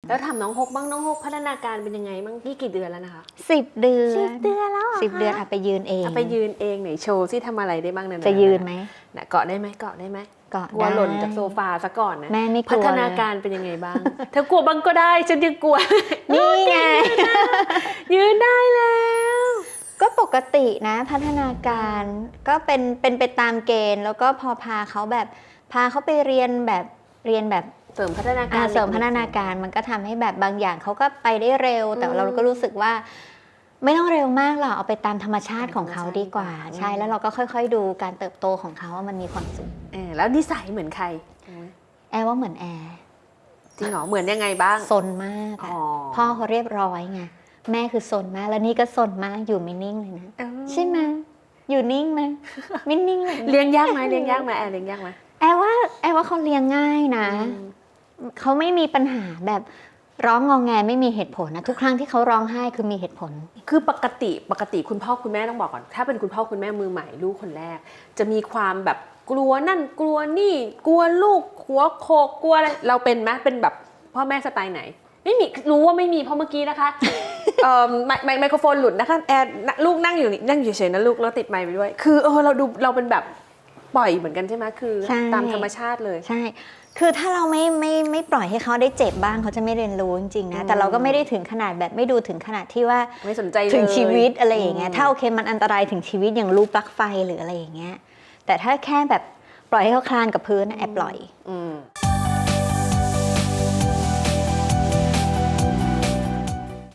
แล้วถามน้องฮกบ้างน้องฮกพัฒนาการเป็นยังไงบ้างนี่กี่เดือนแล้วนะคะ 10 เดือน 10 เดือนแล้ว 10 เดือนไปยืนเองไปยืนเองไหนโชว์ที่ทำอะไรได้บ้างเนี่ยจะยืนไหมเกาะได้ไหมเกาะได้ไหมเกาะกลัวหล่นจากโซฟาซะก่อนนะแม่ไม่กลัวพัฒนาการเป็นยังไงบ้างเธอกลัวบ้างก็ได้ฉันยังกลัวนี่ไงยืนได้แล้วก็ปกตินะพัฒนาการก็เป็นไปตามเกณฑ์ แล้วก็พอพาเขาไปเรียนแบบเสริมพัฒนาการเสริมพัฒนาการมันก็ทำให้แบบบางอย่างเขาก็ไปได้เร็ว แต่เราก็รู้สึกว่าไม่ต้องเร็วมากหรอกเอาไปตามธรรมชาติของเขาดีกว่าใช่แล้วเราก็ค่อยๆดูการเติบโตของเขาว่ามันมีความสุขแล้วนิสัยเหมือนใครแอร์ว่าเหมือนแอร์จริงเหรอเหมือนยังไงบ้างซนมากพ่อเขาเรียบร้อยไงแม่คือซนมากแล้วนี่ก็ซนมากอยู่ไม่นิ่งเลยนะใช่ไหมอยู่นิ่งไหมไม่นิ่งเลยเลี้ยงยากไหมแอร์เลี้ยงยากไหมแอร์ว่าเขาเลี้ยงง่ายนะเขาไม่มีปัญหาแบบร้องงอแงไม่มีเหตุผลนะทุกครั้งที่เขาร้องไห้คือมีเหตุผลคือปกติคุณพ่อคุณแม่ต้องบอกก่อนถ้าเป็นคุณพ่อคุณแม่มือใหม่ลูกคนแรกจะมีความแบบกลัวนั่นกลัวนี่กลัวลูกหัวโขกกลัวอะไรเราเป็นไหมเป็นแบบพ่อแม่สไตล์ไหนไม่มีรู้ว่าไม่มีเพราะเมื่อกี้นะคะไมโครโฟนหลุดนะคะแอร์ลูกนั่งอยู่นี่นั่งอยู่เฉยๆนะลูกแล้วติดไมค์ไปด้วยคือเราเป็นแบบปล่อยเหมือนกันใช่ไหมคือตามธรรมชาติเลยใช่คือถ้าเราไม่ปล่อยให้เขาได้เจ็บบ้างเขาจะไม่เรียนรู้จริงๆนะแต่เราก็ไม่ได้ถึงขนาดแบบไม่ดูถึงขนาดที่ว่าไม่สนใจเลยถึงชีวิตอะไรอย่างเงี้ยถ้าโอเคมันอันตรายถึงชีวิตอย่างรูปปลั๊กไฟหรืออะไรอย่างเงี้ยแต่ถ้าแค่แบบปล่อยให้เขาคลานกับพื้นแอบปล่อย